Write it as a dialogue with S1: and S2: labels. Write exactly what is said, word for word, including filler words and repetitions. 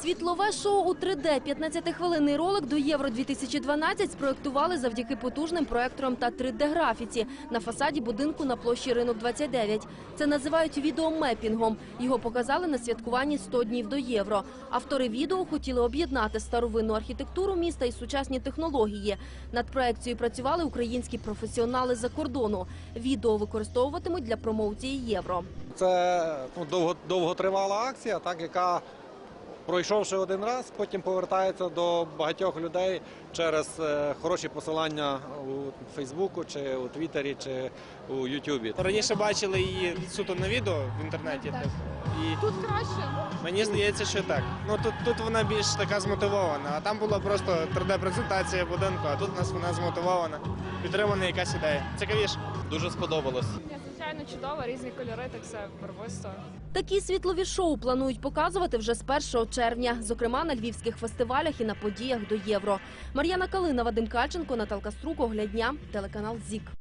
S1: Світлове шоу у три де п'ятнадцятихвилинний ролик до Євро дві тисячі дванадцять спроєктували завдяки потужним проекторам та три де графіці на фасаді будинку на площі Ринок двадцять дев'ять. Це називають відеомепінгом. Його показали на святкуванні сто днів до Євро. Автори відео хотіли об'єднати старовинну архітектуру міста і сучасні технології. Над проекцією працювали українські професіонали з-за кордону. Відео використовуватимуть для промоції Євро.
S2: Це ну, довго, довготривала акція, так, яка, пройшовши один раз, потім повертається до багатьох людей через е, хороші посилання у Фейсбуку, чи у Твіттері, чи у Ютубі.
S3: Раніше бачили її суто на відео в інтернеті.
S4: Так, так.
S3: І
S4: Тут краще?
S3: мені здається, що так. Ну, тут, тут вона більш така змотивована, а там була просто три де презентація будинку, а тут у нас вона змотивована, підтримана якась ідея. Цікавіше.
S2: Дуже сподобалось.
S4: Звичайно, чудово, різні кольори, так все барвисто.
S1: Такі світлові шоу планують показувати вже з першого червня, зокрема на львівських фестивалях і на подіях до Євро. Мар'яна Калина, Вадим Кальченко, Наталка Струк, Огляд дня, телеканал ЗІК.